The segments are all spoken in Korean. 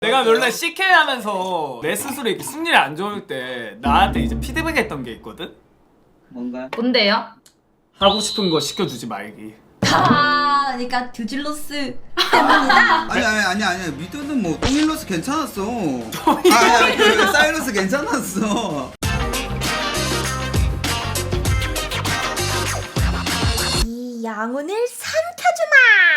내가 원래 CK 하면서 내 스스로 이렇게 승률이 안 좋을 때 나한테 이제 피드백 했던 게 있거든? 뭔가요? 뭔데요? 하고 싶은 거 시켜주지 말기. 그러니까 듀질로스 때문이다. 아니 미드는 뭐 똥일러스 괜찮았어. 아니 그 사이러스 괜찮았어. 이 영혼을 삼켜주마.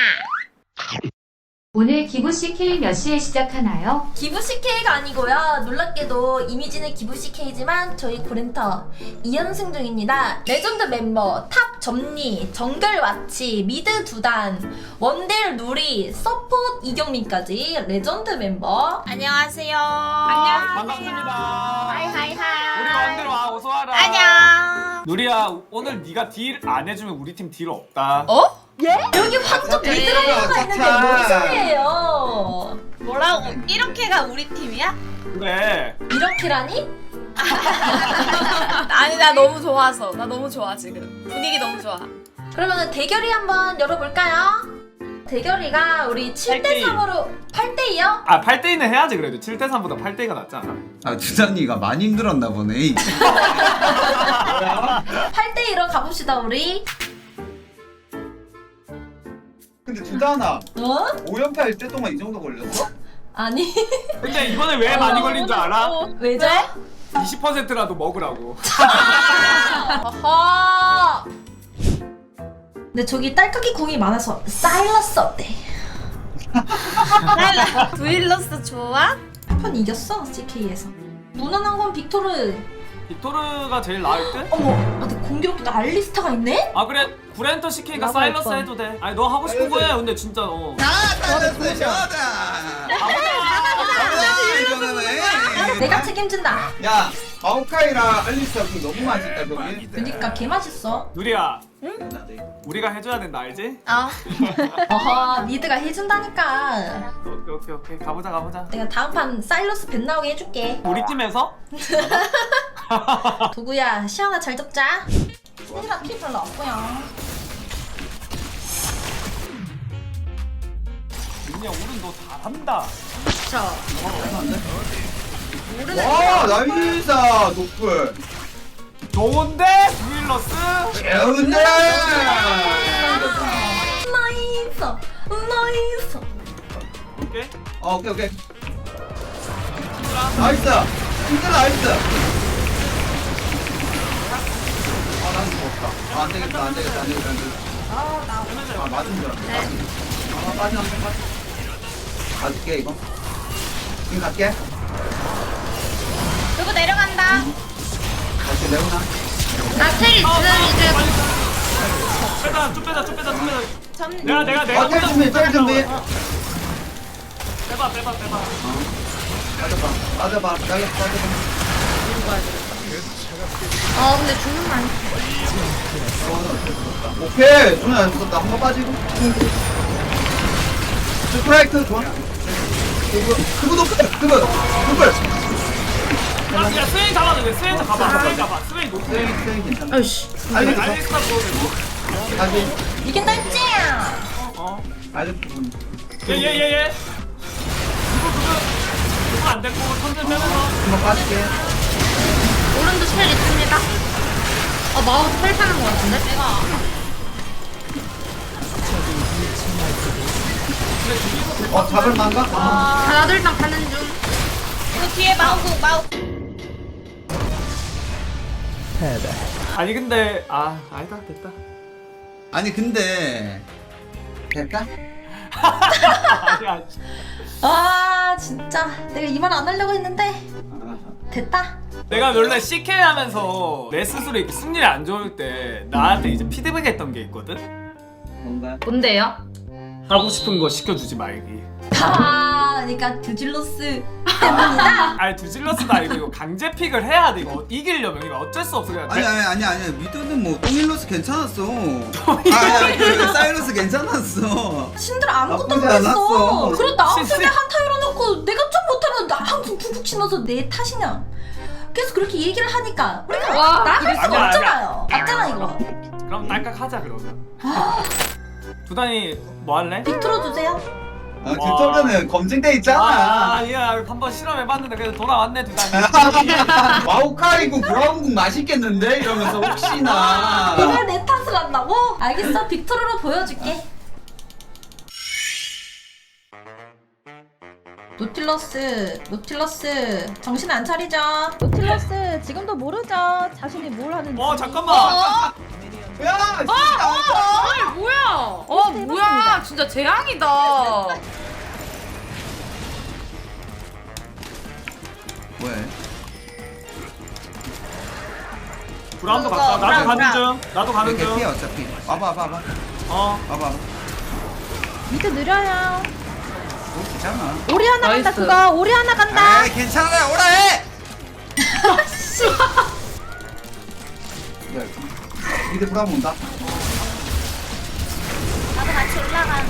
오늘 기부 CK 몇 시에 시작하나요? 기부 CK가 아니고요. 놀랍게도 이미지는 기부 CK지만 저희 고렌터 2연승 중입니다. 레전드 멤버, 탑 점리, 정글 와치, 미드 두단, 원딜 누리, 서포트 이경민까지 레전드 멤버. 안녕하세요. 반갑습니다. 하이하이하이. 우리 원들 와 어서 와라. 안녕. 누리야 오늘 네가 딜 안 해주면 우리 팀 딜 없다. 어? 예? 여기 황금 그래. 미드라이너가 있는데 착착. 뭔 소리예요? 뭐라고? 이렇게가 우리 팀이야? 그래. 이렇게라니? 아니 나 너무 좋아서 나 너무 좋아 지금 분위기 너무 좋아. 그러면 대결이 한번 열어볼까요? 대결이가 우리 7대3으로 8대2요? 아 8대2는 해야지 그래도 7대3보다 8대2가 낫지 않아? 아 주단이가 많이 힘들었나 보네. 8대2로 가봅시다 우리. 근데 주단아 어? 5연패 할 때 동안 이 정도 걸렸어? 아니 근데 이번에 왜 많이 걸린 줄 알아? 왜죠? 20%라도 먹으라고. 어허. 근데 저기 딸깍이 궁이 많아서 사일러스 어때? 두일러스 좋아? 한 판 이겼어 CK에서. 무난한 건 빅토르. 빅토르가 제일 나을 듯? 어머, 아, 근데 공교롭게도 알리스타가 있네? 아 그래 구렌터 CK가 나가 사일러스 오빠. 해도 돼. 아니 너 하고 싶은 거 해. 근데 진짜 내가 책임진다. 야 마오카이랑 알리스타 그 너무 맛있다 거기. 그니까 개 맛있어. 누리야 우리가 해줘야 된다 알지? 어허, 미드가 해준다니까. 오케이 가보자. 내가 다음 판 사일러스 뱃 나오게 해줄게. 우리 팀에서? 도구야, 시원아 잘 접자. 신이랑 피 별로 없고요. 민야 오른 너 잘한다. 와 나이사 노플. 좋은데? 두일러스? 좋은데. 나이스, 나이스. 오케이 오케이. 나이스. 진짜 나이스. 아 나는 죽었다. 안 되겠다. 아 맞은 줄 알았네. 아 빠져. 가줄게 이거. 지금 갈게. 누구 내려간다. 다시 레오나. 나텔 빼자 쭉 빼자 점. 내가 텔 준비. 빼봐 빠져봐. 근데 죽는 거 아니야? 오케이. 손이 안 죽었다. 한 번 빠지고. 스프라이트 좋아. 그거 높을. 야 스웨인 잡아도 돼 스웨인 잡아 스웨인 높게 스윙 괜찮아. 아이씨. 알리스타 보여도 되고 다시. 이긴다 했지? 알리스. 얘 그거 안 됐고 선전 빼면서 한번 빠질게. 오른도 텔 있습니다. 마우스 텔 타는 거 같은데? 잡을 만가? 나도 일단 가는 중. 이거 뒤에 마우. 아니 근데 아니다 됐다. 아니 근데 될까? 아니야 아, 진짜. 내가 이 말 안 하려고 했는데. 됐다. 내가 원래 CK 하면서 내 스스로 이렇게 승률이 안 좋을 때 나한테 이제 피드백 했던 게 있거든? 뭔가? 뭔데요? 하고 싶은 거 시켜주지 말기. 그러니까 듀질로스 때문이다. 아니 두질러스도 아니고 이거 강제 픽을 해야 돼. 이거 이기려면 이거 어쩔 수 없어. 그냥 아니 미드는 뭐 똥일러스 괜찮았어. 아니 그 사이러스 괜찮았어. 신들 아무것도 나쁘지 못했어. 않았어. 그래 나 신- 앞쪽에 한타 열어놓고 내가 좀 못하면 나 항상 푹푹 치면서 내 탓이냐. 계속 그렇게 얘기를 하니까 우리가 와, 나갈 수가 아니야, 없잖아요. 맞잖아 이거. 그럼 딸깍 하자 그러면. 두단이 뭐 할래? 빅 틀어주세요. 듀토르는 검증돼 있잖아. 아니야 한번 실험해봤는데 그래도 돌아왔네 두단이. 마오카이국 브라운국 맛있겠는데? 이러면서 혹시나. 이걸 내 탓을 한다고? 알겠어, 빅토르로 보여줄게. 노틸러스 정신 안 차리죠? 노틸러스 지금도 모르죠. 자신이 뭘 하는지. 잠깐만. 야, 진짜. 아니 뭐야? 뭐야? 진짜 재앙이다. 왜? 브라운도 갔다. 나도 가는 중. 나도 가는 이렇게 피해 중. 어차피. 와봐. 와봐. 미드 느려요. 뭐 괜찮아. 오리 하나 간다 나이스. 그거. 오리 하나 간다. 에이 괜찮아 오라 해. 미드 브라운 온다. 나도 같이 올라가.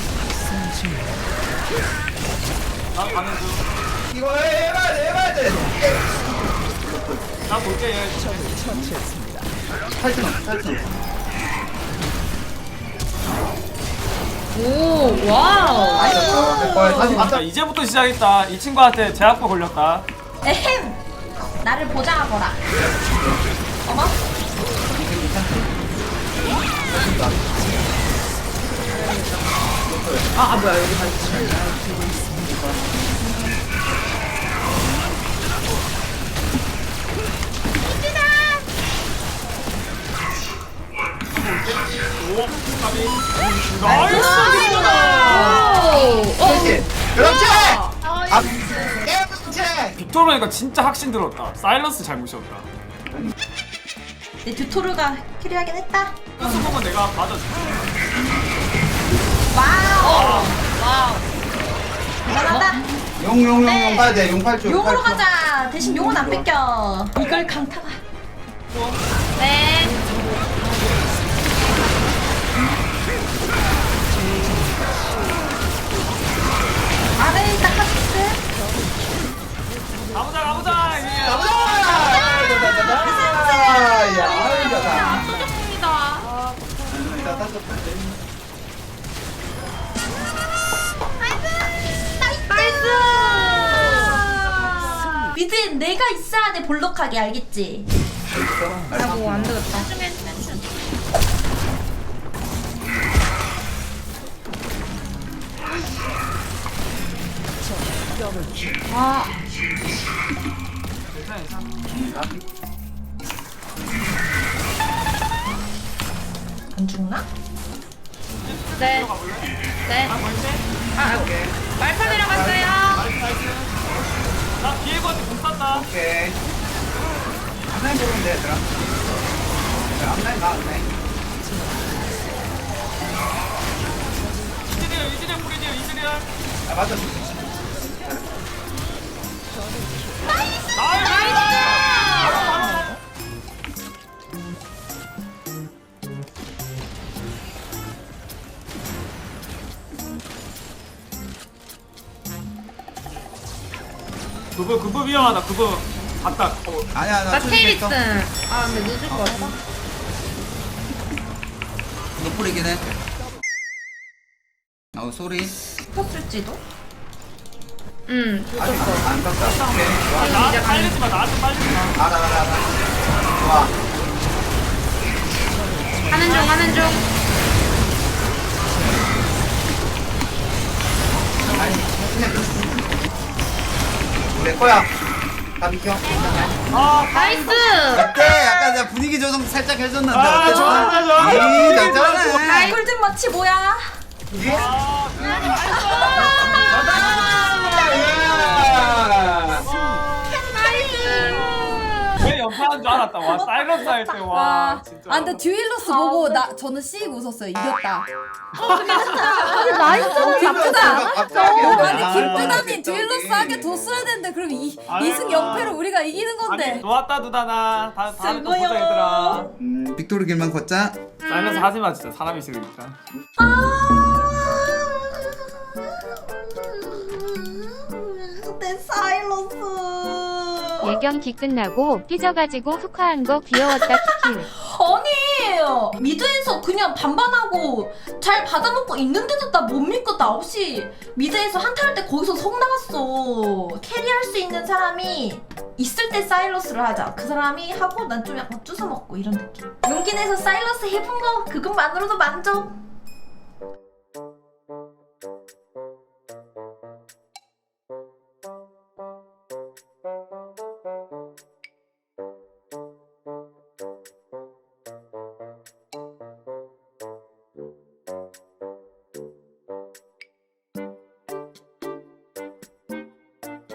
나도 가는 중. 이거 해봐야 돼. 나 볼게 얘. 탈출. 오 와우. 다시 자 맞다. 이제부터 시작했다. 이 친구한테 제압법 걸렸다. 에헴! 나를 보장하거라. 어머? 뭐야 여기 다시. 나이스. 그렇지. 아, 그렇지. 빅토르니까 진짜 확신 들었다. 사일런스 잘못이었다. 내 듀토르가 캐리하긴 했다. 끝수 보면 내가 맞아줄게. 와우! 대단하다. 용 네. 가야 돼. 용 8초. 용으로 가자. 대신 용은 안 뺏겨. 이걸 강타가. 네. 아레이 닦아주스. 가보자. 야, 아이다. 합니다. 미드엔 내가 있어야 돼, 볼록하게. 알겠지? 아이고 안 되겠다. 안 죽나? 네. 네. 말파 내려갔어요. 나 비에고한테 공 쐈다. 오케이. 앞라인 보면 돼, 얘들아. 앞라인 가, 앞라인. 이즈리얼 뿌리디얼 이즈리얼. 아, 맞아. 그거 위험하다. 그거 갔다. 아니야, 나 나 초딩 테일 있어. 있음. 아 근데 늦을 것 같아. 너 뿌리긴 해. 쏘리. 싶었을지도? 아직 안 떴다. 오케이. 좋아. 나한테 빨리지 마. 나한테 빨리지 마. 알아. 좋아. 하는 중. 내 거야. 다 비켜. 나이스. 어때? 약간 내가 분위기 조성 살짝 해줬는데. 아, 어때? 좋아. 잘하네. 꿀잼 마치 뭐야? 왜 연파한 줄 알았다. 와 사이런스 할 때 와 진짜. 아 근데 듀일로스 보고 저는 씩 웃었어요. 이겼다. 근데 라인전은 나쁘지 않았어. 아니 김두단이 듀일로스 하게 뒀어야 되는데 그럼 아유. 2승 0패로 우리가 이기는 건데. 아니 좋았다 두다나. 다음에 또 보자 슬퍼요. 얘들아. 빅토르 길만 걷자. 사이런스 하지 마 진짜 사람이 싫으니까. 내 사일러스. 예경기 끝나고 삐져가지고 흑화한 거 귀여웠다 키키. 아니 이상해요. 미드에서 그냥 반반하고 잘 받아먹고 있는데도 나 못 믿고 나 없이 미드에서 한타 할 때 거기서 속 나갔어. 캐리할 수 있는 사람이 있을 때 사일러스를 하자. 그 사람이 하고 난 좀 약간 쭈서 먹고 이런 느낌. 용기 내서 사일러스 해본 거 그것만으로도 만족.